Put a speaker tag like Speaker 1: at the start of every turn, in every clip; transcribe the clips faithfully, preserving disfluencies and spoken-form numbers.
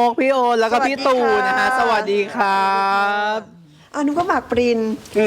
Speaker 1: กพี่โอแล้วก็พี่ตู่นะฮะสวัสดีครับ
Speaker 2: อ่ะนุก็หมากปริน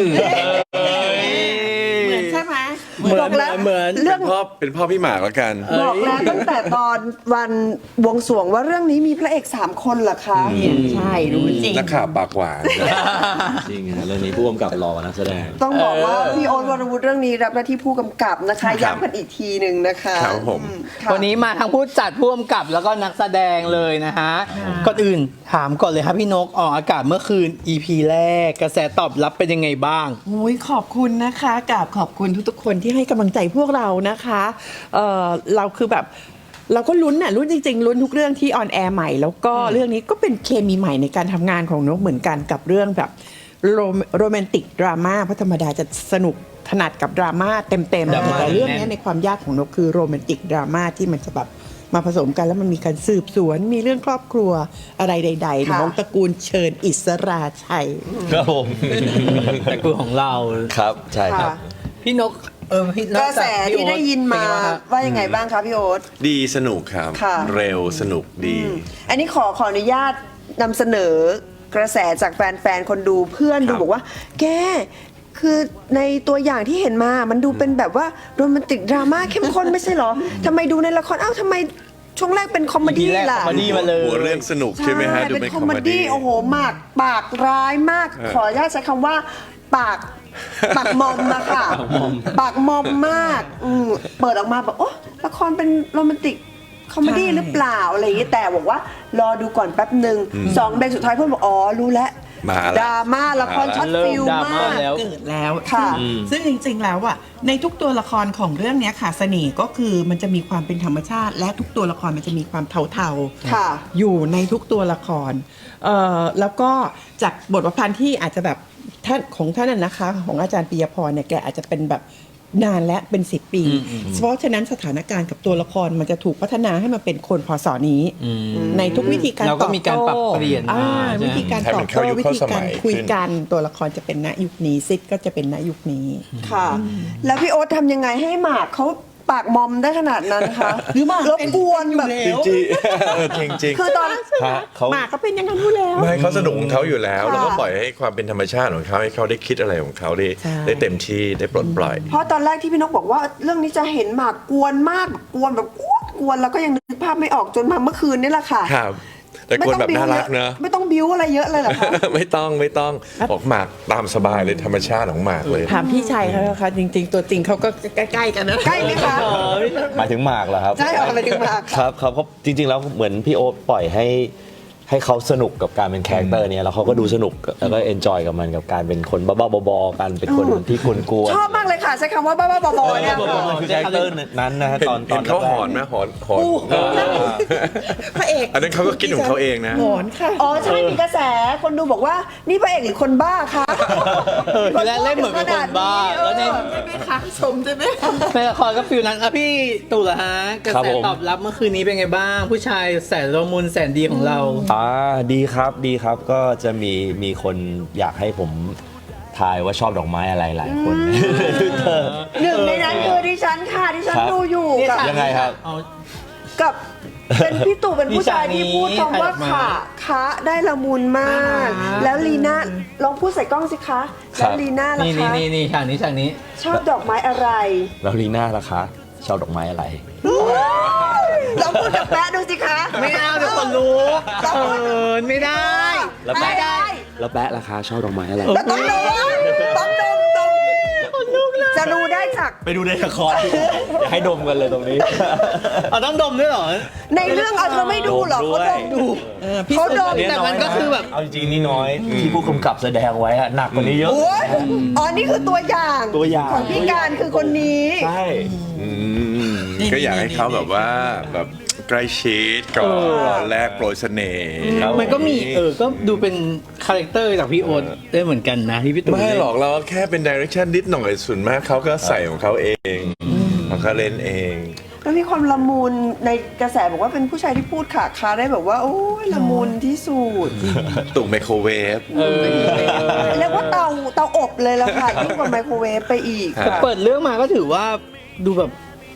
Speaker 2: เหมือนใช่ไหม
Speaker 1: เหมือน
Speaker 2: บอกแล้ว
Speaker 1: เหมือน
Speaker 2: เรื่อง
Speaker 3: พ่อเป็นพ่อพี่หมากแล้วกัน
Speaker 2: บอกแล้วตั้งแต่ตอนวันบวงสรวงว่าเรื่องนี้มีพระเอกสามคนเหรอคะใช่รู้จริง
Speaker 3: นักข่าวปากหวาน
Speaker 4: จริงฮะเรื่องนี้ผู้กำกับรอนักแสดง
Speaker 2: ต้องบอกว่าพี่โอ๊ตวรวุฒิเรื่องนี้รับหน้าที่ผู้กำกับนะคะ
Speaker 3: ครับ
Speaker 2: ย้ำกันอีกทีหนึ่งนะคะ
Speaker 3: ครับผม
Speaker 2: อืค่ะ
Speaker 1: วันนี้มาทั้งผู้จัดผู้กำกับแล้วก็นักแสดงเลยนะฮะก่อนอื่นถามก่อนเลยครับพี่นกออกอากาศเมื่อคืน อี พี แรกกระแสตอบรับเป็นยังไงบ้าง
Speaker 5: โอ้ยขอบคุณนะคะกับขอบคุณทุกๆคนที่ให้กำลังใจพวกเรานะคะเออเราคือแบบเราก็ลุ้นน่ะลุ้นจริงๆลุ้นทุกเรื่องที่ออนแอร์ใหม่แล้วก็เรื่องนี้ก็เป็นเคมีใหม่ในการทำงานของนกเหมือนกันกับเรื่องแบบโรโรแมนติกดราม่าเพราะธรรมดาจะสนุกถนัดกับดราม่าเต็ม
Speaker 1: ดราม่า
Speaker 5: ๆแต่เรื่อง
Speaker 1: แน่
Speaker 5: นี้
Speaker 1: น
Speaker 5: ในความยากของนกคือโรแมนติกดราม่าที่มันจะแบบมาผสมกันแล้วมันมีการสืบสวนมีเรื่องครอบครัวอะไรใดๆของตระกูลเชิญอิสราชัย
Speaker 4: ครับผม
Speaker 1: แต่คือของเรา
Speaker 4: ครับ ใช่ครับ
Speaker 2: ค่ะ
Speaker 1: พี่นกเออพี่น
Speaker 2: ก
Speaker 1: ก
Speaker 2: ระแสที่ได้ยินมา
Speaker 1: เป็นไงบ้งครับ
Speaker 2: ว่ายังไงบ้างคะพี่โอ๊ต
Speaker 3: ดีสนุกครับ
Speaker 2: ค่ะ
Speaker 3: เร็วสนุกดี
Speaker 2: อันนี้ขอขออนุญาตนำเสนอกระแสจากแฟนๆ คนดูเพื่อนดู
Speaker 3: ครับ
Speaker 2: บอกว่า แกคือในตัวอย่างที่เห็นมามันดูเป็นแบบว่าโรแมนติกดราม่าเข้มข้นไม่ใช่เหรอทำไมดูในละครเอ้าทำไมช่วงแรกเป็นคอมเม
Speaker 1: อี
Speaker 2: ดี้
Speaker 1: พีแรก
Speaker 2: ล่ะ
Speaker 1: คอมเมดี้มาเลย
Speaker 3: หัวเรื่องสนุกใช่ไหมฮะดู
Speaker 2: เป็
Speaker 3: เป็น น
Speaker 2: ค
Speaker 3: ค
Speaker 2: อ
Speaker 3: อ
Speaker 2: ม
Speaker 3: ม
Speaker 2: เม
Speaker 3: เม
Speaker 2: ดี้
Speaker 3: ดี้
Speaker 2: โอ้โหหมากปากร้ายมาก
Speaker 3: เออ
Speaker 2: ขออนุญาตใช้คำว่า ปากปากมอมอะค่ะ ปากมอมมากอืมเปิดออกมาแบบโอ้ละครเป็นโรแมนติกคอมเมดี้
Speaker 5: ใช่
Speaker 2: หรือเปล่าอะไรอย่างงี้แต่บอกว่ารอดูก่อนแป๊บหนึ่งสองเบรกสุดท้ายเพื่อนบอกอ๋อรู้แล้ว
Speaker 3: มาละ
Speaker 2: ดราม่าละครช็อต
Speaker 1: เริ่ม
Speaker 2: ฟิล
Speaker 1: ดราม่าม
Speaker 2: าก
Speaker 1: แล้ว
Speaker 5: เกิดแล้ว
Speaker 2: ค่ะ
Speaker 5: ซึ่งซึ่งจริงๆ แล้วอ่ะในทุกตัวละครของเรื่องเนี้ยค่ะเสน่ห์ก็คือมันจะมีความเป็นธรรมชาติ และทุกตัวละครมันจะมีความเทา
Speaker 2: ค่ะ
Speaker 5: ๆอยู่ในทุกตัวละครเอ่อแล้วก็จากบทประพันธ์ที่อาจจะแบบท่านของท่านน่ะนะคะ ของอาจารย์ปิยพรเนี่ยแกอาจจะเป็นแบบนานและเป็นสิบปี เพราะฉะนั้นสถานการณ์กับตัวละครมันจะถูกพัฒนาให้มาเป็นคนพศนี้ ในทุกวิธีการ
Speaker 1: เราก็มีการปรับเปลี่ยนมา
Speaker 5: อ่า
Speaker 1: ใช่ไหม
Speaker 5: วิธีการ
Speaker 3: ให้
Speaker 5: ต
Speaker 3: มั
Speaker 5: อบ
Speaker 3: นเข้า
Speaker 5: โต้
Speaker 3: ยุค
Speaker 5: วิ
Speaker 3: เข้า
Speaker 5: ธี
Speaker 3: ส
Speaker 5: กา
Speaker 3: มั
Speaker 5: ร
Speaker 3: ย
Speaker 5: คุย
Speaker 3: ขึ้น
Speaker 5: กันตัวละครจะเป็นณยุคนี้ซิดก็จะเป็นณยุคนี้
Speaker 2: ค่ะ แล้วพี่โอ๊ตทำยังไงให้หมากเขาปากมอมได้ขนาดนั้นคะ
Speaker 5: หรือหมาก
Speaker 2: รบกวนแบบ
Speaker 5: เป็นอยู่แล้ว
Speaker 3: จริงๆเออจริงจริง
Speaker 2: คือตอน
Speaker 3: ฮะเขา
Speaker 5: หมากก็เป็นอย่างนั้นอยู่แล้ว
Speaker 3: ไม่เขาสนุกของเขาอยู่แล้ว
Speaker 2: ค่ะ
Speaker 3: แล้วก็ปล่อยให้ความเป็นธรรมชาติของเขาให้เขาได้คิดอะไรของเขาได้
Speaker 5: ใช่
Speaker 3: ได้เต็มที่ได้ปลดปล่อย
Speaker 2: เพราะตอนแรกที่พี่นกบอกว่าเรื่องนี้จะเห็นหมากกวนมากกวนแบบกวนกวนแล้วก็ยังนึกภาพไม่ออกจนมาเมื่อคืนนี่แหละค่ะ
Speaker 3: ครับ แต่คนแบบน่ารักเนอะ
Speaker 2: ไม่ต้องบิ้วอะไรเยอะเลยเหรอคะ
Speaker 3: ไม่ต้องไม่ต้องออกหมากตามสบายเลยธรรมชาติของหมากเลย
Speaker 5: ถามพี่ชัยเขานะคะจริง ๆ ตัวจริงเขาก็ใกล้ๆกันนะ
Speaker 2: ใกล้ไหมคะ
Speaker 4: หมายถึงหมากเหรอครับ
Speaker 2: ใช่เหรอหมายถึงหมาก
Speaker 4: ครับครับเพราะจริง ๆ แล้วเหมือนพี่โอ๊ตปล่อยให้ให้เขาสนุกกับการเป็นคาแรคเตอร์เนี้ยแล้วเขาก็ดูสนุกแล้วก็เอนจอยกับมันกับการเป็นคนบ้าๆบอๆกันเป็นคนที่กวนๆ
Speaker 2: ชอบมากเลยค่ะใช้คำว่าบ้าๆบอๆเนี่ยค่ะ
Speaker 4: มันคือคาแรคเตอร์นั้นนะฮะ
Speaker 3: เห็น
Speaker 4: ตอนต
Speaker 3: เห็
Speaker 4: อน
Speaker 3: นเขา
Speaker 4: แรก
Speaker 3: หอนไหมหอนหอน
Speaker 5: พระเอก
Speaker 3: อันนั้นเขาก็คิดของเขาเองนะ
Speaker 5: หอนค่ะ
Speaker 2: อ๋อใช่มีกระแสคนดูบอกว่านี่พระเอกหรือคนบ้าคะ
Speaker 1: เออทีแรกเล่นเหมือนเป็นคนบ้าแล้วใน
Speaker 5: ใช่ไหมคะชมใช่ไหม
Speaker 1: ในละครก็ฟิลนั้นอ่ะพี่ตู่เหรอฮะกระ
Speaker 4: ครับ
Speaker 1: แส
Speaker 4: ผม
Speaker 1: ตอบรับเมื่อคืนนี้เป็นไงบ้าง ผู้ชายแสนละมุนแสนดีของเรา
Speaker 4: อ่าดีครับดีครับก็จะมีมีคนอยากให้ผมทายว่าชอบดอกไม้อะไรหลายคนในทวิตเตอร์
Speaker 2: หนึ่งในนั้นคือดิฉันค่ะดิฉัน
Speaker 4: ครับ
Speaker 2: ดูอยู่กับ
Speaker 4: ยังไงครับ
Speaker 1: เอา
Speaker 2: กับเป็นพี่ตู่เป็นผู้ชายที่พูดคำว่า
Speaker 1: มีฉากนี้
Speaker 2: ขาคะได้ละมุนมาก
Speaker 5: อ่า
Speaker 2: แล้วลีน่าลองพูดใส่กล้องสิคะ
Speaker 4: ครั
Speaker 2: แล้
Speaker 4: บ
Speaker 2: วลีน่าล่ะ
Speaker 1: นี่นี่
Speaker 2: คะ
Speaker 1: นี่นี่ฉากนี้ฉากนี้
Speaker 2: ชอบดอกไม้อะไร
Speaker 4: แล้วลีน่าล่ะคะชอบดอกไม้อะไร
Speaker 2: ลองพูดกับแป๊ะดูสิคะ
Speaker 1: ไม่เอาเดี๋ยวคนรู้เขินไม่ได้
Speaker 4: แล้ว
Speaker 2: ไม่
Speaker 4: แปะ
Speaker 2: ได้
Speaker 4: แล้วแปะล่ะคะชอบดอกไม้อะไร
Speaker 2: แล้วต้องดมต้องดมดมจะรู้ได้จาก
Speaker 4: ไปดูในละครอย่าให้ดมกันเลยตรงนี้
Speaker 1: เอาต้องดมด้วยเหรอ
Speaker 2: ในเรื่องเอาเธอไม่ดูเหรอเขาดมดู
Speaker 5: เออพี่
Speaker 2: เขาดม
Speaker 1: แต่มันก็คือแบบ
Speaker 4: เอาจริงๆนี่น้อยที่ผู้กำกับแสดงไว้อะหนักกว่านี้เยอะ
Speaker 2: โอ้ยอ๋อนี่คือตัวอย่าง
Speaker 4: ตัวอย่าง
Speaker 2: ของพี่การคือคนนี้
Speaker 4: ใช่
Speaker 3: อืมก็อยากให้เขาแบบว่าแบบใกล้ชิดก่อนแลกโปรยเสน่ห์
Speaker 1: มันก็มีเออ ก็ดูเป็นคาแรคเตอร์จากพี่โอ๊ตได้เหมือนกันนะที่พี่ตู่
Speaker 3: ไม่หรอกเราแค่เป็นดิเรกชันนิดหน่อยส่วนมากเขาก็ใส่ของเขาเองของเขาเล่นเอง
Speaker 2: แล้วมีความละมุนในกระแสบอกว่าเป็นผู้ชายที่พูดขาคาได้แบบว่า โอ้ยละมุนที่สุด
Speaker 3: ตุ่มไมโครเวฟ
Speaker 1: เออ
Speaker 2: เรียกว่าเตาเตาอบเลยละค่ะยิ่งกว่าไมโครเวฟไปอีก
Speaker 3: ครับ
Speaker 2: ค่ะ
Speaker 1: เปิดเรื่องมาก็ถือว่าดูแบบ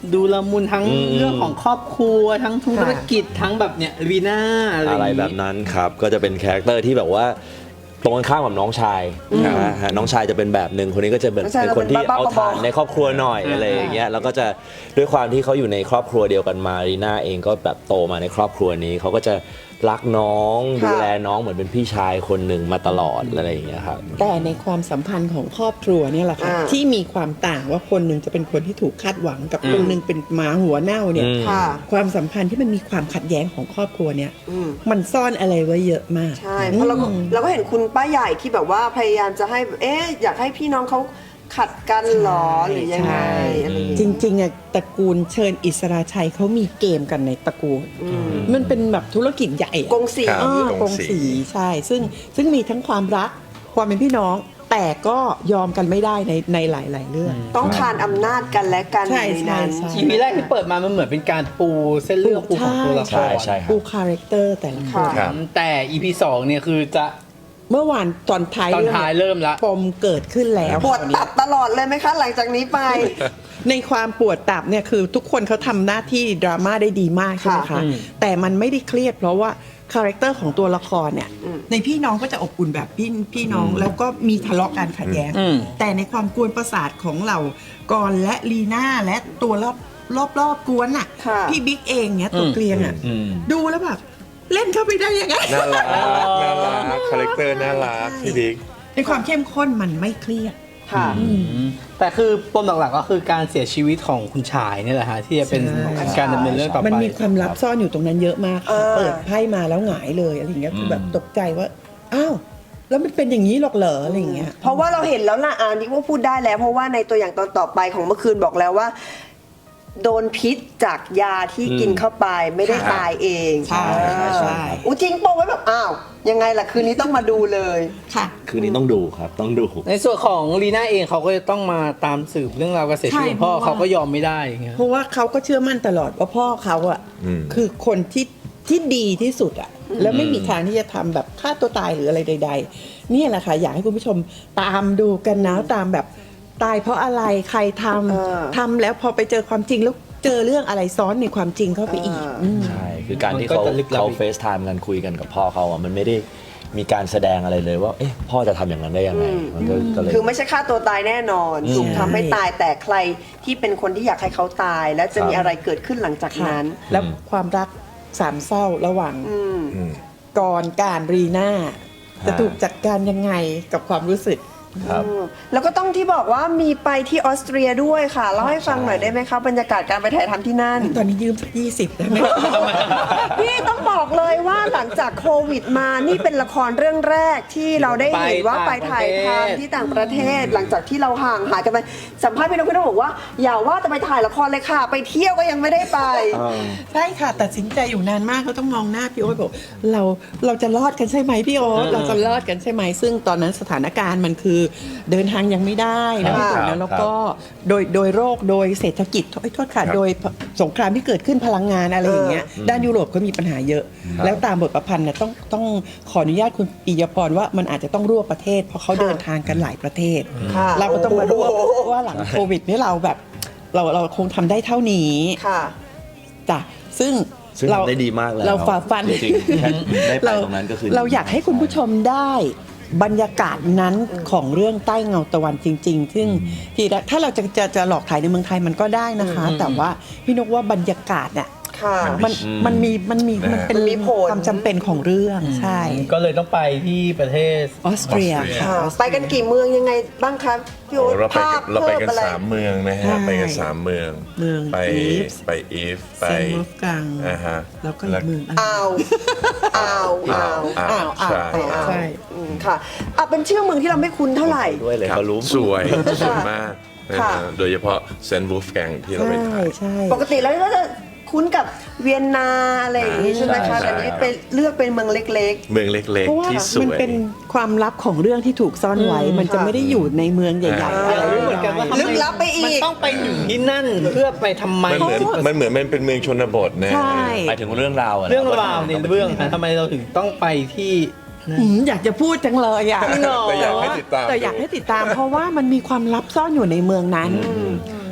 Speaker 1: ดูละมุนทั้ง
Speaker 4: อืม
Speaker 1: เรื่องของครอบครัวทั้งธุรกิจทั้งแบบเนี่ยวีน่าอะไร
Speaker 4: อะไร
Speaker 1: อย่าง
Speaker 4: แบ
Speaker 1: งี้
Speaker 4: บนั้นครับ ก็จะเป็นคาแรคเตอร์ที่แบบว่าตรงกันข้ามกับน้องชายนะฮะน้องชายจะเป็นแบบหนึ่งคนนี้ก็จะเป็น
Speaker 2: น้องชาย
Speaker 4: เป็นคนที่
Speaker 2: เราเป็นบ้าๆ
Speaker 4: เอาทาน
Speaker 2: บอๆ
Speaker 4: ในครอบครัวหน่อยอะไรอย่างเงี้ยแล้วก็จะด้วยความที่เขาอยู่ในครอบครัวเดียวกันมารีน่าเองก็แบบโตมาในครอบครัวนี้เขาก็จะรักน้อง
Speaker 2: ค่ะ
Speaker 4: ดูแลน้องเหมือนเป็นพี่ชายคนหนึ่งมาตลอดอะไรอย่างเงี้ยครับ
Speaker 5: แต่ในความสัมพันธ์ของครอบครัวเนี่ยแหละค่ะ
Speaker 2: อ่า
Speaker 5: ที่มีความต่างว่าคนหนึ่งจะเป็นคนที่ถูกคาดหวังกับคนหนึ่งเป็นหมาหัวเน่าเนี่ย
Speaker 4: อืม
Speaker 2: ค่ะ
Speaker 5: ความสัมพันธ์ที่มันมีความขัดแย้งของครอบครัวเนี่ย
Speaker 2: อืม
Speaker 5: มันซ่อนอะไรไว้เยอะมาก
Speaker 2: ใช่ เพราะเราก็เราก็เห็นคุณป้าใหญ่ที่แบบว่าพยายามจะให้ เอ๊ะ อยากให้พี่น้องเขาขัดกันเหรอหรือยังไง
Speaker 5: ใช่
Speaker 2: อะไรอย่าง
Speaker 5: จ
Speaker 2: เงี้ย
Speaker 5: ริงๆอะตระกูลเชิญอิสราชัยเขามีเกมกันในตระกูล มันเป็นแบบธุรกิจใหญ่อะ
Speaker 2: กงสี
Speaker 3: ครับ
Speaker 5: อ่าก
Speaker 3: ก
Speaker 5: ง
Speaker 3: งสี
Speaker 5: สีใช่ ซึ่งซึ่งมีทั้งความรักความเป็นพี่น้อง แต่ก็ยอมกันไม่ได้ในในหลาย ๆ เรื่อง
Speaker 2: ต้องคานอำนาจกันและกัน
Speaker 5: ใช่
Speaker 2: ในนั้น
Speaker 5: ใช่
Speaker 1: อีพีแรกที่เปิดมามันเหมือนเป็นการปูเส้นเรื่องปูของตัวละค
Speaker 4: ใช่
Speaker 1: ร
Speaker 4: ใช่ครับ
Speaker 5: ปูคาแรคเตอร์แต่ละคน
Speaker 2: ค่ะ
Speaker 1: แต่อีพีสองเนี่ยคือจะ
Speaker 5: เมื่อวานตอนท้าย
Speaker 1: ตอนท้ายเริ่มละ
Speaker 5: ปมเกิดขึ้นแล้ว
Speaker 2: ปวดตับตลอดเลยไหมคะ หลังจากนี้ไป
Speaker 5: ในความปวดตับเนี่ยคือทุกคนเขาทำหน้าที่ดราม่าได้ดีมากใช่ไหม
Speaker 2: ค่ะ
Speaker 5: คะ แต่มันไม่ได้เครียดเพราะว่าคาแรคเตอร์ของตัวละครเนี่ยในพี่น้องก็จะอบอุ่นแบบพี่พี่น้องแล้วก็มีทะเลาะกันขัดแย้ง
Speaker 1: อืม
Speaker 5: แต่ในความกวนประสาทของเรากรและลีน่าและตัวรอบรอบรอบกวนอ่ะ
Speaker 2: ค่ะ
Speaker 5: พี่บิ๊กเองเนี่ยตัวเกลียงอ่ะดูแล้วแบบเล่นเข้าไปได้ยังไง
Speaker 3: น่ารักน่ารักคาแรคเตอร์น่ารักพี่บิ๊ก
Speaker 5: ในความเข้มข้นมันไม่เครียด
Speaker 2: ค่ะ
Speaker 1: แต่คือปมหลักๆก็คือการเสียชีวิตของคุณชายนี่แหละฮะที่จะเป็น
Speaker 5: ใช่
Speaker 1: การดำเนินเรื่องต่อไป
Speaker 5: มันมีความลับซ่อนอยู่ตรงนั้นเยอะมาก
Speaker 2: เออ
Speaker 5: เปิดไพ่มาแล้วหงายเลยอะไรอย่างเงี้ยคือแบบตกใจว่า อ้าว แล้วมันเป็นอย่างนี้หรอกเหรออะไรอย่างเงี้ย
Speaker 2: เพราะว่าเราเห็นแล้วล่ะอันนี้ว่าพูดได้แล้ว เพราะว่าในตัวอย่างตอนต่อไปของเมื่อคืนบอกแล้วว่า โดนพิษจากยาที่กินเข้าไปไม่ได้
Speaker 5: ค่ะ
Speaker 2: ตายเอง
Speaker 5: ใช่ใช่ใช่
Speaker 2: อู้จริงโปะไว้แบบอ้าวยังไงล่ะคืนนี้ต้องมาดูเลย
Speaker 5: ค่ะ
Speaker 4: คืนนี้ต้องดูครับต้องดู
Speaker 1: ในส่วนของลีน่าเองเขาก็จะต้องมาตามสืบเรื่องราวการเสียชีวิตของพ่อ
Speaker 5: ใช่เพราะว่า
Speaker 1: เขาก็ยอมไม่ได้อย่างเงี้ย
Speaker 5: เพราะว่าเขาก็เชื่อมั่นตลอดว่าพ่อเขาอะ
Speaker 3: อืม
Speaker 5: คือคนที่ที่ดีที่สุดอะแล้วไม่มีทางที่จะทำแบบฆ่าตัวตายหรืออะไรใด ๆ เนี่ยแหละค่ะอยากให้คุณผู้ชมตามดูกันนะตามแบบตายเพราะอะไรใครท
Speaker 2: เออ
Speaker 5: ำทำแล้วพอไปเจอความจริงแล้วเจอเรื่องอะไรซ้อนในความจริงเข้าไปอีก
Speaker 2: เอออื
Speaker 5: ม
Speaker 4: ใช่คือการที่เขา
Speaker 1: มันก็จะลึกลับ
Speaker 4: เขา
Speaker 1: อีก
Speaker 4: เฟซไทม์กันคุยกันกับพ่อเขาอ่ะมันไม่ได้มีการแสดงอะไรเลยว่าเอ๊ะพ่อจะทำอย่างนั้นได้ยังไงมันก็ก็เลย
Speaker 2: คือไม่ใช่ฆ่าตัวตายแน่นอน
Speaker 4: อืม
Speaker 2: ถูกทำให้ตายแต่ใครที่เป็นคนที่อยากให้เขาตาย และจะมี
Speaker 4: ครับ
Speaker 2: อะไรเกิดขึ้นหลังจาก
Speaker 5: ค่ะ
Speaker 2: นั้น
Speaker 5: แล้วความรักสามเศร้าระหว่าง
Speaker 2: อืม
Speaker 3: อืม
Speaker 5: กรการรีน่าจะถูกจัดการยังไงกับความรู้สึก
Speaker 4: ครับ
Speaker 2: อืมแล้วก็ต้องที่บอกว่ามีไปที่ออสเตรียด้วยค่ะเล่าให้ฟังหน่อยได้ไหมคะบรรยากาศการไปถ่ายทำที่นั่น
Speaker 5: ตอนนี้ยืมสักยี่สิบได้ไหม
Speaker 2: พี่ต้องบอกเลยว่าหลังจากโควิดมานี่เป็นละครเรื่องแรกที่เราได้เห็นว่าไปถ่ายทำที่ต่างประเทศ หลังจากที่เราห่างหายกันไปสัมภาษณ์พี่นกพี่นกบอกว่าอย่าว่าแต่ไปถ่ายละครเลยค่ะ ไปเที่ยวก็ยังไม่ได้ไป
Speaker 5: ใช่ค่ะตัดสินใจอยู่นานมากก็ต้องมองหน้าพี่โอ๊ตบอกเราเราจะรอดกันใช่ไหมพี่โอ๊ตเราจะรอดกันใช่ไหมซึ่งตอนนั้นสถานการณ์มันคือเดินทางยังไม่ได้นะ
Speaker 2: ค่ะ
Speaker 5: พี่โอ๊ตนะแล้วก็โดยโดยโรคโดยเศรษฐกิจโทษโทษค่ะ
Speaker 3: ครับ
Speaker 5: โดยสงครามที่เกิดขึ้นพลังงานอะไรอย่างเงี้ยด้านยุโรปก็มีปัญหาเยอะ แล้วตามบทประพันธ์เนี่ยต้องต้องขออนุญาตคุณปิยพรว่ามันอาจจะต้องรวบประเทศ เพราะเขาเดินทางกันหลายประเทศ
Speaker 2: ค่ะ
Speaker 5: เราก็ต้องมารวบ
Speaker 2: โอ้โห
Speaker 5: ว่าหลังโควิดนี่เราแบบเราเราคงทำได้เท่านี้
Speaker 2: ค่ะ
Speaker 5: จ้ะซึ่ง
Speaker 4: ซึ่งทำได้ดีมากแล้ว
Speaker 5: เราฝ่าฟัน
Speaker 4: จริงๆแค่ได้ไปตรงนั้นก็คือ
Speaker 5: เราอยากให้คุณผู้ชมได้บรรยากาศนั้นของเรื่องใต้เงาตะวันจริง ๆ ซึ่งทีละถ้าเราจะจะจะหลอกถ่ายในเมืองไทยมันก็ได้นะคะ แต่ว่าพี่นกว่าบรรยากาศเนี่ย
Speaker 2: ค่ะ
Speaker 5: มันมันมีมันมีมันเป็น
Speaker 2: มันมีผล
Speaker 5: ความจำเป็นของเรื่องใช่
Speaker 1: ก็เลยต้องไปที่ประเทศ
Speaker 5: ออสเตรีย
Speaker 3: ออสเตรีย
Speaker 2: ค่ะไปกันกี่เมืองยังไงบ้างครับพี่
Speaker 3: โอ้
Speaker 2: โอ๊ต
Speaker 3: เราไป
Speaker 2: ภา
Speaker 3: กั
Speaker 2: พ
Speaker 3: นเราไป
Speaker 2: เพิ่ม
Speaker 3: กัน
Speaker 2: อะไร
Speaker 3: สามเมืองนะ
Speaker 5: ใช่
Speaker 3: ฮะไปกันสามเมือง
Speaker 5: เมือง
Speaker 3: ไป
Speaker 5: อีฟ
Speaker 3: ไปอีฟไป
Speaker 5: เซนต์วอลฟกัง
Speaker 3: อ่าฮะ
Speaker 5: แล้วก็อีกเมืองอะไร
Speaker 2: อ้าวอ้าวอ้าว
Speaker 3: อ้าว
Speaker 5: อ้าวอ้าว
Speaker 3: ใช่
Speaker 2: อ้าว
Speaker 5: ใช่
Speaker 2: อืมค่ะอ่ะเป็นชื่อเมืองที่เราไม่คุ้นเท่าไหร่
Speaker 4: ด้วยเลย
Speaker 3: ครับ
Speaker 4: เขารู้
Speaker 3: สวยสวยมากนะ
Speaker 2: ค่ะ
Speaker 3: ฮะโดยเฉพาะเซนต์วูฟแกงที่เราไป
Speaker 5: ใช่
Speaker 3: ถ่าย
Speaker 5: ใช่
Speaker 2: ปกติแล้วก็จะคุ้นกับเวียนนาอะไรอย่างนี้ใช่ไหมคะ
Speaker 3: ใช่
Speaker 2: แต่นี่ไปเลือกเป็นเมืองเล็ก
Speaker 3: เมืองเล็ก
Speaker 5: เพราะว่า
Speaker 3: ๆ ที่ส
Speaker 5: มัน
Speaker 3: วย
Speaker 5: เป็นความลับของเรื่องที่ถูกซ่อนไว้ มันจะ
Speaker 2: ค่ะ
Speaker 5: ไม่ได้อยู่ในเมืองใหญ่ๆ
Speaker 3: อ่า
Speaker 5: อะไร
Speaker 1: อยากรู้เหมือนกันว่า
Speaker 2: ลึกลับไปอีก
Speaker 1: มันต้องไปอยู่ที่นั่นเพื่อไปทำไม
Speaker 3: มันเหมือนมันเหมือนมันเป็นเมืองชนบทนะ
Speaker 5: ใช่
Speaker 4: หมายถึงเรื่องราวะนะ
Speaker 1: เรื่องราวในเรื่องนะทำไมเราถึงต้องไปที่นั่น
Speaker 5: หืมอยากจะพูดจังเลยอ่ะ
Speaker 3: แต่อยากให้ติดตาม
Speaker 5: แต่อยากให้ติดตาม เพราะว่ามันมีความลับซ่อนอยู่ในเมืองนั้น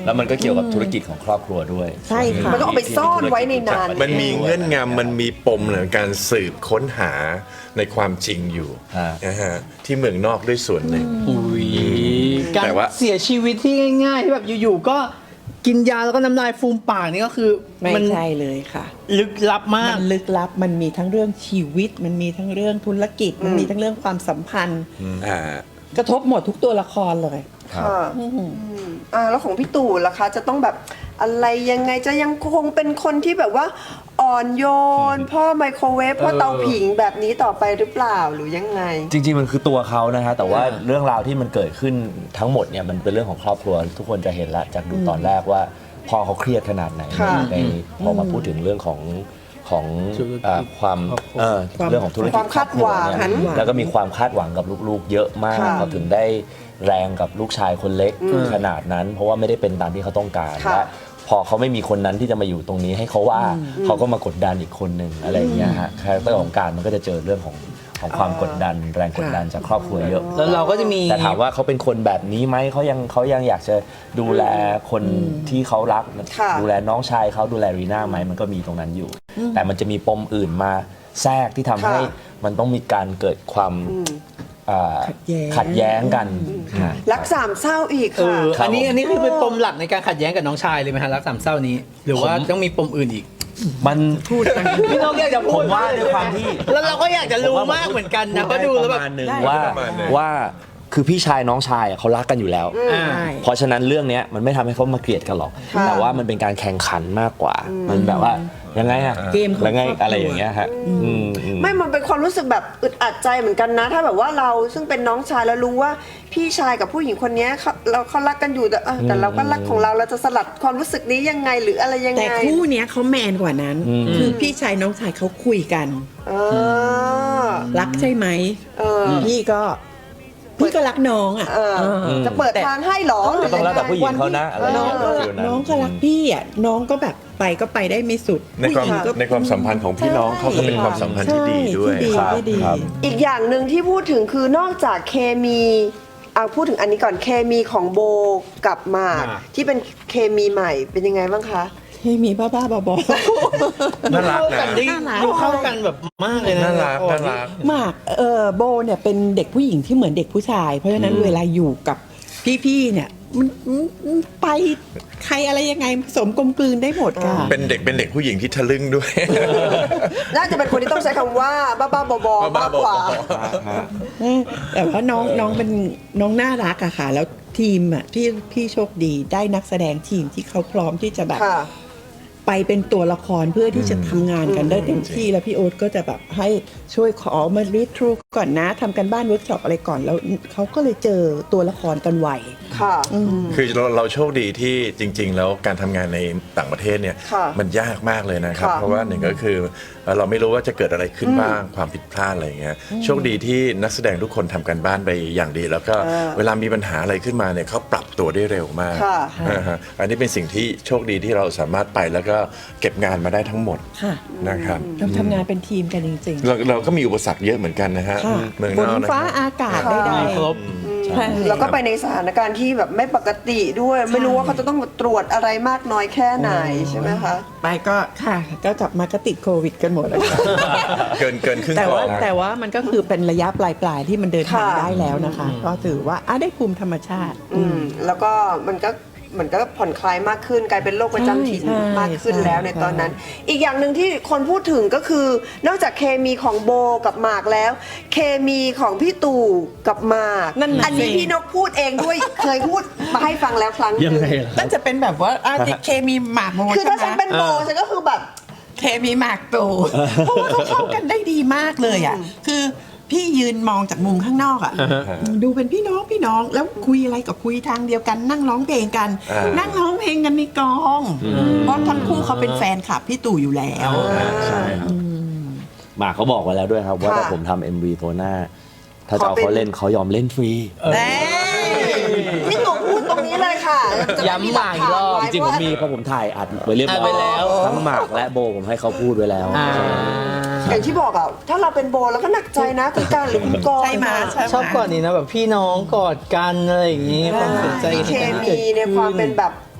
Speaker 4: แล้วมันก็เกี่ยวกับธุรกิจของครอบครัวด้วย
Speaker 5: ใช่ค่ะ
Speaker 2: มันก็เอาไปซ่อนไว้ในนั้น
Speaker 3: มันมีเงื่อนงำมันมีปมในการสืบค้นหาในความจริงอยู่
Speaker 4: ฮะ
Speaker 3: นะฮะที่เมืองนอกด้วยส่วนหนึ่ง
Speaker 1: อุ้ยการ
Speaker 3: แต่ว่า
Speaker 1: เสียชีวิตที่ง่ายๆที่แบบอยู่ๆก็กินยาแล้วก็น้ำลายฟูมปากนี่ก็คือ
Speaker 5: ไม่
Speaker 1: มัน
Speaker 5: ใช่เลยค่ะ
Speaker 1: ลึกลับมาก
Speaker 5: มันลึกลับมันมีทั้งเรื่องชีวิต มันมีทั้งเรื่องธุรกิจ มันมีทั้งเรื่องความสัมพันธ์
Speaker 3: อ่า
Speaker 5: กระทบหมดทุกตัวละครเลย
Speaker 4: ครับ
Speaker 2: ค่ะอืมอ่าแล้วของพี่ตู่ล่ะคะ จะต้องแบบอะไรยังไงจะยังคงเป็นคนที่แบบว่าอ่อนโยน พ่อไมโครเวฟพ่อเตาผิงแบบนี้ต่อไปหรือเปล่าหรือยังไง
Speaker 4: จริงๆมันคือตัวเขานะฮะแต่ว่าเรื่องราวที่มันเกิดขึ้นทั้งหมดเนี่ยมันเป็นเรื่องของครอบครัว ทุกคนจะเห็นละจากดูตอนแรกว่าพ่อเขาเครียดขนาดไหน
Speaker 2: ค่ะ
Speaker 4: ในพอมาพูดถึงเรื่องของของ
Speaker 1: ธุรกิจ
Speaker 4: อ่าความ
Speaker 1: ครอบครัว
Speaker 4: เอ่อ
Speaker 5: ความ
Speaker 4: เรื่องของธุรกิจ
Speaker 2: ความคาดหวัง
Speaker 4: ครอบครัเนี่ย
Speaker 5: คาดหวัง
Speaker 4: แล้วก็มีความคาดหวังกับลูกๆ เยอะมาก
Speaker 2: ค่ะ
Speaker 4: เขาถึงได้แรงกับลูกชายคนเล็กขนาดนั้น เพราะว่าไม่ได้เป็นตามที่เขาต้องการ
Speaker 2: ค่ะ
Speaker 4: และพอเขาไม่มีคนนั้นที่จะมาอยู่ตรงนี้ให้เขาว่าเขาก็มากดดันอีกคนหนึ่งอะไรอย่างเงี้ยฮะคาแรคเตอร์ของการมันก็จะเจอเรื่องของของความกดดัน แรงกดดันจากครอบครัวเยอะ
Speaker 1: แล้วเราก็จะมี
Speaker 4: แต่ถามว่าเขาเป็นคนแบบนี้ไหมเขายังเขายังอยากจะดูแลคนที่เขารัก
Speaker 2: ค่ะ
Speaker 4: ดูแลน้องชายเขาดูแลรีน่าไหมมันก็มีตรงนั้นอยู่ แต่มันจะมีปมอื่นมาแทรกที่ทำให้
Speaker 2: ค่ะ
Speaker 4: มันต้องมีการเกิดความอ่า
Speaker 5: ขัดแย้ง
Speaker 4: ขัดแย้งกันฮะ
Speaker 2: รักสามเศร้าอีก
Speaker 1: เอ
Speaker 2: ค่ะ
Speaker 1: ออันนี้อันนี้คือเป็นปมหลักในการขัดแย้งกับน้องชายเลยไหมฮะรักสามเศร้านี้ หรือว่าต้องมีปมอื่นอีก
Speaker 4: มันพูด
Speaker 1: พี่น้องอยากจะพู
Speaker 4: ผ
Speaker 1: ด
Speaker 4: มว่าด้วยความที่
Speaker 1: แล้วเราก็อยากจะรู้มากเหมือนกันนะเพราะดูแล้วแบบ
Speaker 4: ประมาณหนึ่ง
Speaker 5: ได้
Speaker 4: ว่า
Speaker 3: ประมาณหนึ่ง
Speaker 4: ว่าคือพี่ชายน้องชายอ่ะเขารักกันอยู่แล้ว
Speaker 1: อ่า
Speaker 5: ใช่
Speaker 4: เพราะฉะนั้นเรื่องเนี้ยมันไม่ทำให้เขามาเกลียดกันหรอก
Speaker 2: ค่ะ
Speaker 4: แต่ว่ามันเป็นการแข่งขันมากกว่า มันแบบว่ายังไงอะ
Speaker 5: เกมของ
Speaker 4: ยังไง
Speaker 5: ครอบครัว
Speaker 4: อะไรอย่างเงี้ยฮะอืมอืม
Speaker 2: ไม่มันเป็นความรู้สึกแบบอึดอัดใจเหมือนกันนะ ถ้าแบบว่าเราซึ่งเป็นน้องชายแล้วรู้ว่าพี่ชายกับผู้หญิงคนเนี้ยเขาเราเขารักกันอยู่แต่เออแต่เราก็รักของเราเราจะสลัดความรู้สึกนี้ยังไงหรืออะไรยัง
Speaker 5: แต่
Speaker 2: ไง
Speaker 5: คู่เนี้ยเขาแมนกว่านั้น คือพี่ชายน้องชายเขาคุยกัน
Speaker 2: เออ
Speaker 5: รักใช่ไหม
Speaker 2: เออ
Speaker 5: พี่ก็พี่ก็รักน้องอ่ะ
Speaker 2: เออ
Speaker 5: เออ
Speaker 2: จะเปิดทางให้เหรอหรือ
Speaker 4: ต้องแล้วแต่ผู้หญิง
Speaker 5: วัน
Speaker 4: เขา
Speaker 5: ที่
Speaker 4: นะอะไร
Speaker 5: น้องก็
Speaker 4: ฟิลนั้น
Speaker 5: น้องก็รักพี่อ่ะน้องก็แบบไปก็ไปได้ไม่สุด
Speaker 3: ในความ
Speaker 5: ผู้หญิงก็
Speaker 3: ในความสัมพันธ์ของพี่น้องเขาก็เป็นความสัมพันธ์ที่ดีด้วย
Speaker 5: ใช่ที่ดี
Speaker 4: ครับ
Speaker 5: ที่ดี
Speaker 4: ครับ
Speaker 2: อีกอย่างหนึ่งที่พูดถึงคือนอกจากเคมีเอาพูดถึงอันนี้ก่อนเคมีของโบกับหมาก
Speaker 1: หมาก
Speaker 2: ที่เป็นเคมีใหม่เป็นยังไงบ้างคะ
Speaker 5: ให้มีบ้าบ้าๆบอ
Speaker 3: น่ารัก
Speaker 1: เข้า
Speaker 3: นะ
Speaker 1: กันได้ดูเข้ากันแบบมากเลยนะ
Speaker 3: น่ารักน่ารัก
Speaker 5: ๆหมากเออโบเนี่ยเป็นเด็กผู้หญิงที่เหมือนเด็กผู้ชาย เพราะฉะนั้นเวลาอยู่กับพี่ๆเนี่ยมันมันไปใครอะไรยังไงผสมกลมกลืนได้หมดค่ะ
Speaker 3: เป็นเด็กเป็นเด็กผู้หญิงที่ทะลึ่งด้วย
Speaker 2: น่าจะเป็นคนที่ต้องใช้คำว่าบ้าบ้าๆบอๆมากกว่า
Speaker 5: เออแต่ว่าน้องน้องเป็นน้องน่ารักอะค่ะ แล้วทีมอะพี่พี่โชคดีได้นักแสดงทีมที่เขาพร้อมที่จะแบบ
Speaker 2: ค่ะ
Speaker 5: ไปเป็นตัวละครเพื่อที่จะทำงานกันได้เต็มที่แล้วพี่โอ๊ตก็จะแบบให้ช่วยขอมารีทรูก่อนนะทำกันบ้านเวิร์กช็อปอะไรก่อนแล้วเขาก็เลยเจอตัวละครกันไว
Speaker 2: ค่ะ
Speaker 3: คือเราเราโชคดีที่จริง ๆ แล้วการทำงานในต่างประเทศเนี่ย
Speaker 2: ค่ะ
Speaker 3: มันยากมากเลยนะครับ
Speaker 2: ค่ะ
Speaker 3: เพราะว่าหนึ่งก็คือเอ่อเราไม่รู้ว่าจะเกิดอะไรขึ้นบ้างความผิดพลาดอะไรอย่างเงี้ยโชคดีที่นักแสดงทุกคนทำกันบ้านไปอย่างดี แล้วก็
Speaker 2: เออ
Speaker 3: เวลามีปัญหาอะไรขึ้นมาเนี่ยเขาปรับตัวได้เร็วมาก
Speaker 2: ค่ะ
Speaker 3: นะฮะอันนี้เป็นสิ่งที่โชคดีที่เราสามารถไปแล้วก็เก็บงานมาได้ทั้งหมด
Speaker 5: ค่ะ
Speaker 3: นะครับ
Speaker 5: เราทำงานเป็นทีมกันจริง
Speaker 3: เราเราก็มีอุปสรรคเยอะเหมือนกันนะฮะ
Speaker 5: ๆค่ะ
Speaker 3: เมือง
Speaker 5: ฝ
Speaker 3: น
Speaker 5: น
Speaker 3: อกนะ
Speaker 5: ฟ้า
Speaker 3: ครับ
Speaker 5: อากาศ
Speaker 2: ค่ะ
Speaker 5: ได้
Speaker 1: ครบ
Speaker 5: ใช่
Speaker 2: แล้วก็ไปในสถานการณ์ที่แบบไม่ปกติด้วย ไม่รู้ว่าเขาจะต้องตรวจอะไรมากน้อยแค่ไหนใช่ไหมคะ
Speaker 5: ไปก็ค่ะ ก็กลับมาก็ติดโควิดกันหมดแล้วค่ะ
Speaker 3: เกินเกินครึ่ง
Speaker 5: แต่
Speaker 3: กล่
Speaker 5: ว่า
Speaker 3: อง
Speaker 5: แต่ว่ามันก็คือเป็นระยะปลายๆที่มันเดินทาง
Speaker 2: ค่ะ
Speaker 5: ได้แล้วนะคะ ก็ถือว่าอ่ะได้ภูมิธรรมชาติ
Speaker 2: อืมแล้วก็มันก็เหมือนก็ผ่อนคลายมากขึ้นกลายเป็นโรคประจำถิ่น
Speaker 5: ใช่
Speaker 2: มากขึ้นแล้วใน
Speaker 5: ใช่
Speaker 2: ตอนนั้น อีกอย่างหนึ่งที่คนพูดถึงก็คือ นอกจากเคมีของโบกับหมากแล้ว เคมีของพี่ตู่กับหมาก
Speaker 5: นั่นน่ะ
Speaker 2: อันนี้
Speaker 5: สิ
Speaker 2: พี่นกพูดเองด้วย เคยพูดมาให้ฟังแล้วครั้งหนึ่ง
Speaker 5: นั่นจะเป็นแบบว่าอ่ะเคมีหมากโม
Speaker 2: คือถ้าฉันเป็นโบฉันก็คือแบบ
Speaker 5: เคมีหมากตูเพราะว่าเขาเข้ากันได้ดีมากเลยอ่ะคือพี่ยืนมองจากมุมข้างนอกอ่ะดูเป็นพี่น้องพี่น้องแล้วคุยอะไรก็คุยทางเดียวกัน นั่งร้องเพลงกัน
Speaker 3: อ่านั่
Speaker 5: นั่งร้องเพลงกันในกองเพราะทั้งคู่เขาเป็นแฟนคลับพี่ตู่อยู่แล้ว
Speaker 4: ใช่ครับหมากเขาบอกไว้แล้วด้วยครับ ว่า
Speaker 2: ค่ะ
Speaker 4: ถ้าผมทำเอ็มวีตัวหน้า ถ้าจะเอาเขาเล่นเขายอมเล่นฟรี
Speaker 5: แน่
Speaker 2: พี่ตู่พูดตรงนี้เลยค่ะจะได้
Speaker 1: ย้ำหมากอีกรอบ
Speaker 2: หลั
Speaker 4: จ
Speaker 2: ฐาน
Speaker 4: ริงๆ
Speaker 2: ไว้
Speaker 4: ผมมี
Speaker 2: ว่า
Speaker 4: เพราะผมถ่ายอัดไว้เรียบร้
Speaker 1: อั
Speaker 4: อ
Speaker 1: ดไว้
Speaker 4: ย
Speaker 1: แล้ว
Speaker 4: ทั้งหมากและโบผมให้เขาพูดไว้แล้ว
Speaker 1: อ่า
Speaker 2: อย่างที่บอกอ่ะถ้าเราเป็นโบแล้วก็หนักใจนะคุณการหรือคุณกรณ์
Speaker 5: ใช่ไหมใช่ไหม
Speaker 1: ชอบก่อนนี้นะแบบพี่น้องกอดกันอะไรอย่างงี้ความสนใจ
Speaker 2: มีเค
Speaker 1: กัน
Speaker 2: มีในความเป็นแบบ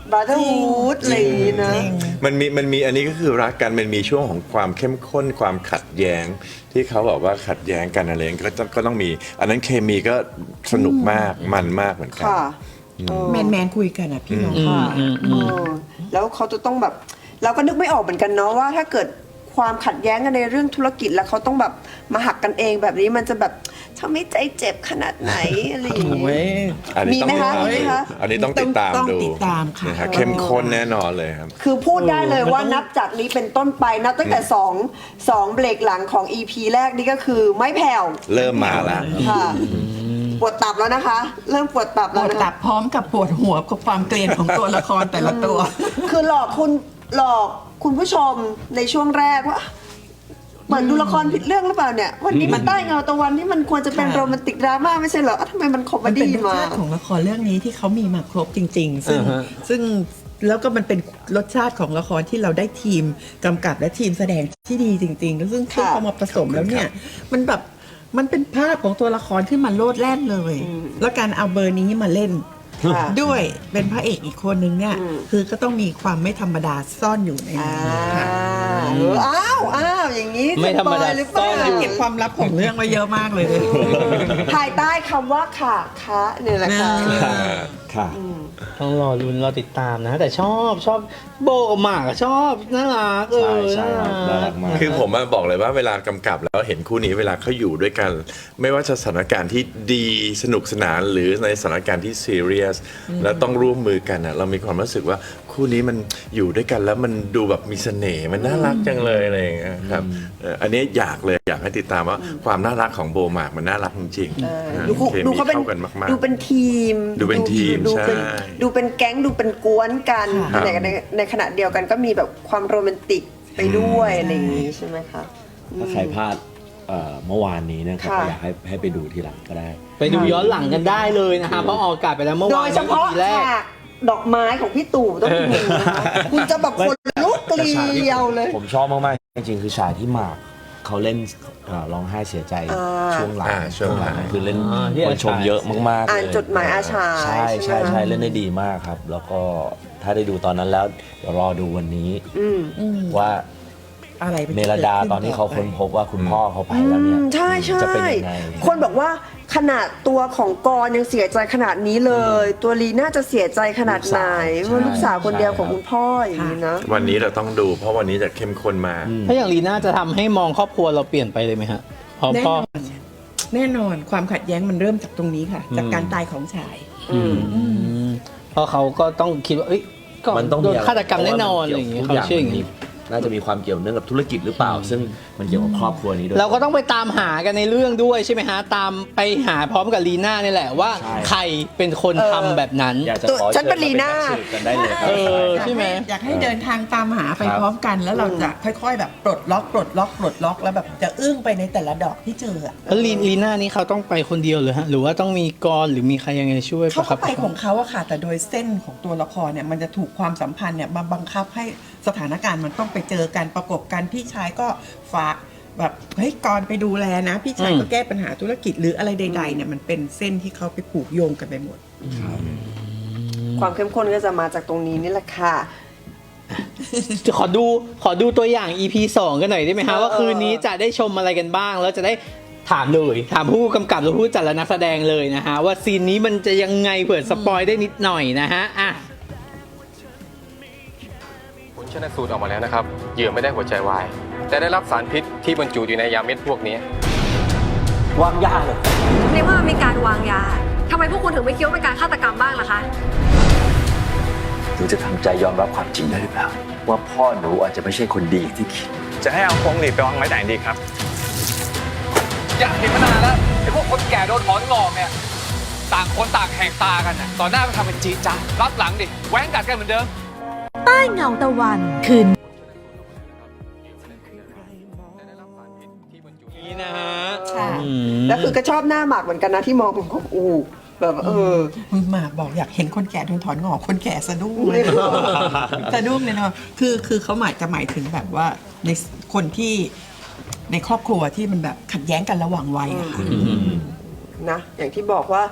Speaker 2: บราเธอร์ฮูดอะไรอย่างงี้นะ
Speaker 3: มันมีมันมีอันนี้ก็คือรักกันมันมีช่วงของความเข้มข้นความขัดแย้ง ที่เขาบอกว่าขัดแย้งกันอะไรอย่างเงี้ยก็ต้องก็ต้องมี อันนั้นเคมีก็สนุกมากมันมากเหมือนกัน
Speaker 2: ค่ะ
Speaker 5: แมนแมนๆคุยกันอะพี่น้อง
Speaker 2: ค่ะเออแล้วเขาจะต้องแบบเราก็นึกไม่ออกเหมือนกันเนาะว่าถ้าเกิดความขัดแย้งกันในเรื่องธุรกิจแล้วเขาต้องแบบมาหักกันเองแบบนี้มันจะแบบทำให้ใจเจ็บขนาดไหนอะไรอย่างเงี้ย
Speaker 3: อันนี้ต้อง
Speaker 2: มีไหมคะ
Speaker 3: ติดตาม
Speaker 2: มีไหมคะ
Speaker 3: อันนี้ต้องติดตาม
Speaker 5: ต้อง
Speaker 3: ดู
Speaker 5: ติดตามค่ะ
Speaker 3: นะฮะเข้มข้นแน่นอนเลยครับ
Speaker 2: คือพูดได้เลยว่านับจากนี้เป็นต้นไปนับตั้งแต่สองสองเบรกหลังของ อี พี แรกนี่ก็คือไม่แผ่ว
Speaker 3: เริ่มมาแล้ว
Speaker 2: ค่ะปวดตับแล้วนะคะ เริ่มปวดตับ
Speaker 5: ป
Speaker 2: แล้ว
Speaker 5: วด
Speaker 2: นะ
Speaker 5: ตั
Speaker 2: คะ
Speaker 5: บพร้อมกับปวดหัวกับความเกลียนของตัวละครแต่ละตัว
Speaker 2: คือหลอกคุณหลอกคุณผู้ชมในช่วงแรกว่าเหมือนดูละครผิดเรื่องหรือเปล่าเนี่ย วันนี้มันใต้เงาตะวันที่มันควรจะเป็น
Speaker 5: ค่ะ
Speaker 2: โรแมนติกดราม่าไม่ใช่เหรออ่ะทำไมมันคอมเม
Speaker 5: มันเป็น
Speaker 2: ดี้
Speaker 5: รส
Speaker 2: มา
Speaker 5: ชาติของละครเรื่องนี้ที่เขามีมาครบจริง ๆ ซึ่ง
Speaker 1: อ่าฮะ
Speaker 5: ซึ่งแล้วก็มันเป็นรสชาติของละครที่เราได้ทีมกำกับและทีมแสดงที่ดีจริงๆแล้วซึ่ง
Speaker 2: ค่ะ
Speaker 5: พอมาผสมแล้วเนี่ย มันแบบมันเป็นภาพของตัวละครขึ้นมาโลดแล่นเลย แล้วการเอาเบอร์นี้มาเล่น
Speaker 2: ค่ะ
Speaker 5: ด้วยเป็นพระเอกอีกคนนึงเนี่ย
Speaker 2: อืม
Speaker 5: คือก็ต้องมีความไม่ธรรมดาซ่อนอยู่ใน
Speaker 2: อ่า
Speaker 5: นั้นค่ะ
Speaker 2: เอออ้าวอ้าวอย่างนี้
Speaker 1: ไม่ธรรมดา
Speaker 2: สปอยหรือเปล่า
Speaker 1: ซ่อนอยู่
Speaker 5: เก็บความลับของเรื่องไว้เยอะมากเลย
Speaker 2: ภายใต้คำว่าค่ะคะเนี่ยแหละค่ะ
Speaker 4: ค่ะ
Speaker 1: ต้องรอลุ้นรอติดตามนะ แต่ชอบชอบโบกับหมากอะชอบน่ารักเออ
Speaker 4: ใช่ใช่ครับน่ารักมาก
Speaker 3: คือผมอะบอกเลยว่าเวลากำกับแล้วเห็นคู่นี้เวลาเขาอยู่ด้วยกัน ไม่ว่าจะสถานการณ์ที่ดีสนุกสนานหรือในสถานการณ์ที่ซีเรียสแล้วต้องร่วมมือกันอะเรามีความรู้สึกว่าคู่นี้มันอยู่ด้วยกันแล้วมันดูแบบมีเสน่ห์มันน่ารักจังเลยอะไรอย่างเงี้ยครับเอ่ออันนี้อยากเลยอยากให้ติดตามว่าความน่ารักของโบหมากมันน่ารักจริงๆ
Speaker 2: ดูเขา
Speaker 3: เค
Speaker 2: ดู
Speaker 3: มี
Speaker 2: เขาเป็น
Speaker 3: เข้ากันมาก
Speaker 2: ดูเป็นทีม
Speaker 3: ดูเป็นทีม
Speaker 2: ดูเป็น
Speaker 3: ใช่
Speaker 2: ดูเป็นแก๊งดูเป็นกวนกัน
Speaker 3: ครับ
Speaker 2: ในในในขณะเดียวกันก็มีแบบความโรแมนติกไปด้วยอะไรอย่างนี้ใช่ไหมคะ
Speaker 4: ถ้าใครพลาดเอ่อเมื่อวานนี้นะครับ
Speaker 2: ค่ะ
Speaker 4: ก็อยากให้ให้ไปดูทีหลังก็ได้
Speaker 1: ไปดูย้อนหลังกันได้เลยนะคะเพราะออกอากาศไปแล้วเมื่อ
Speaker 2: โด
Speaker 1: วาน
Speaker 2: ยเฉพาะ
Speaker 1: อีพีแรก
Speaker 2: ฉากดอกไม้ของพี่ตู่ต้องดูนะคะคุณจะแบบคนลุกเกลียวเลย
Speaker 4: ผมชอบมากๆ จริงๆ คือฉากที่หมากเขาเล่นเอ่อร้องไห้เสียใจ
Speaker 2: อ่า
Speaker 4: ช่วงหลัง
Speaker 3: อ่าช่วงหลัง
Speaker 4: คือเล่น
Speaker 1: อ่าที่
Speaker 4: คนชมเยอะมากๆ
Speaker 2: อ่าน
Speaker 4: เลย
Speaker 2: จดหมายอาชาย
Speaker 4: ใช่
Speaker 2: ใช่
Speaker 4: ใช่
Speaker 2: ไหม
Speaker 4: ใช่เล่นได้ดีมากครับ แล้วก็ถ้าได้ดูตอนนั้นแล้วเดี๋ยวรอดูวันนี้
Speaker 2: อืม
Speaker 4: ว่า
Speaker 5: อะไรป็
Speaker 4: เมลดาตอนที่เขาค้นพบว่าคุณพ่อเขาไปแล้วเนี่ย
Speaker 2: อืมใช่ใช่
Speaker 4: จะเป็นยังไง
Speaker 2: คนบอกว่าขนาดตัวของกรยังเสียใจขนาดนี้เลย ตัวลีน่าจะเสียใจขนาดไหน
Speaker 4: ลูกสาว
Speaker 2: ว่าลูกสาวคนเดียว
Speaker 4: ใช่
Speaker 2: ของคุณพ่ออย่างนี้นะ
Speaker 3: วันนี้เราต้องดู เพราะวันนี้จะเข้มข้นมาก
Speaker 1: ถ้าอย่างลีน่าจะทำให้มองครอบครัวเราเปลี่ยนไปเลยไหมฮะเพราะ
Speaker 5: แน่
Speaker 1: พ่อน
Speaker 5: อนแน่นอนความขัดแย้งมันเริ่มจากตรงนี้ค่ะ จากการตายของชาย
Speaker 1: อืมเพราะเขาก็ต้องคิดว่าเอ้ยก็
Speaker 4: มันต้อง
Speaker 1: โด
Speaker 4: มี
Speaker 1: น
Speaker 4: อะไร
Speaker 1: ฆาตกรรมแน่นอนอะไรอย่างเงี้ย
Speaker 4: ทุก
Speaker 1: เขาเชื่ออย่าง
Speaker 4: นี้
Speaker 1: นี้
Speaker 4: น่าจะมีความเกี่ยวเนื่องกับธุรกิจหรือเปล่า ซึ่งมันเกี่ยวกับครอบครัวนี้ด้วย
Speaker 1: เราก็ต้องไปตามหากันในเรื่องด้วยใช่ไหมฮะ ตามไปหาพร้อมกับลีน่านี่แหละว่า
Speaker 4: ใช่
Speaker 1: ใครเป็นคน
Speaker 2: เออ
Speaker 1: ทำแบบนั้น
Speaker 4: อยากจะ
Speaker 2: ตัว
Speaker 4: ขอ
Speaker 2: ฉันเป็น
Speaker 4: ชิญ
Speaker 2: ลีน่า
Speaker 4: มสืบกันได้เลยครับ
Speaker 1: เออ
Speaker 5: อยาก
Speaker 1: ใช่ไหม
Speaker 5: อยากให้เดินทางตามหาไป
Speaker 4: ครับ
Speaker 5: พร้อมกัน แล้วเราจะค่อย ๆ แบบปลดล็อกปลดล็อกปลดล็อกแล้วแบบจะอึ้งไปในแต่ละดอกที่เจออะ
Speaker 1: แล้วลีลีน่านี่เขาต้องไปคนเดียวเหรือฮะหรือว่าต้องมีกรหรือมีใครยังไงช่วย
Speaker 5: เขา
Speaker 1: ปะครั
Speaker 5: ก็
Speaker 1: บ
Speaker 5: ไปของเขาอะค่ะ แต่โดยเส้นของตัวละครเนี่ยมันจะถูกความสัมพันธ์เนี่ยมาบังคับให้สถานการณ์มันต้องไปเจอกันประกบกันพี่ชายก็ฝากแบบเฮ้ยก่อนไปดูแลนะ พี่ชายก็แก้ปัญหาธุรกิจหรืออะไรใดๆเนี่ยมันเป็นเส้นที่เขาไปผูกโยงกันไปหมด
Speaker 2: ความเข้มข้นก็จะมาจากตรงนี้นี่แหละค่ะ
Speaker 1: ขอดูขอดูตัวอย่าง อี พี สองกันหน่อยได้ไหมฮะ
Speaker 2: เออ
Speaker 1: ว่าคืนนี้จะได้ชมอะไรกันบ้าง แล้วจะได้ถามเลยถามผู้กำกับหรือผู้จัดและนักแสดงเลยนะฮะว่าซีนนี้มันจะยังไงเผื่อสปอยได้นิดหน่อยนะฮะอ่ะ
Speaker 6: ผลชนสูตรออกมาแล้วนะครับ เหยื่อไม่ได้หัวใจวาย แต่ได้รับสารพิษที่บรรจุอยู่ในยาเม็ดพวกนี้
Speaker 7: วางยาเลย
Speaker 8: ในเมื่อมันมีการวางยา ทำไมพวกคุณถึงไม่คิดว่าเป็นการฆาตกรรมบ้างล่ะคะ
Speaker 7: หนูจะทำใจยอมรับความจริงได้หรือเปล่า ว่าพ่อหนูอาจจะไม่ใช่คนดีอย่างที่คิด
Speaker 6: จะให้เอาพวงหลีดไปวางไว้ไหนดีครับ อยากเห็นมานานแล้วไอ้พวกคนแก่โดนถอนงอกเนี่ย ต่างคนต่างแหกตากันน่ะต่อหน้าก็ทำเป็นจีจ้ารับหลังดิ แหว้งกัดกันเหมือนเดิม
Speaker 9: ใต้เงาตะวันคืน
Speaker 1: นี่นะฮะ
Speaker 5: ค่ะ
Speaker 1: อืม
Speaker 2: แล้วคือก็ชอบหน้าหมากเหมือนกันนะที่มองผมอูแบบเออ
Speaker 5: คุณหมากบอกอยากเห็นคนแก่โดนถอนงอกคนแก่สะดุ้งเลย สะดุ้งเลยเนาะคือคือเขาหมายจะหมายถึงแบบว่าในคนที่ในครอบครัวที่มันแบบขัดแย้งกันระหว่างวัยอะค่ะ
Speaker 2: นะอย่างที่บอกว่า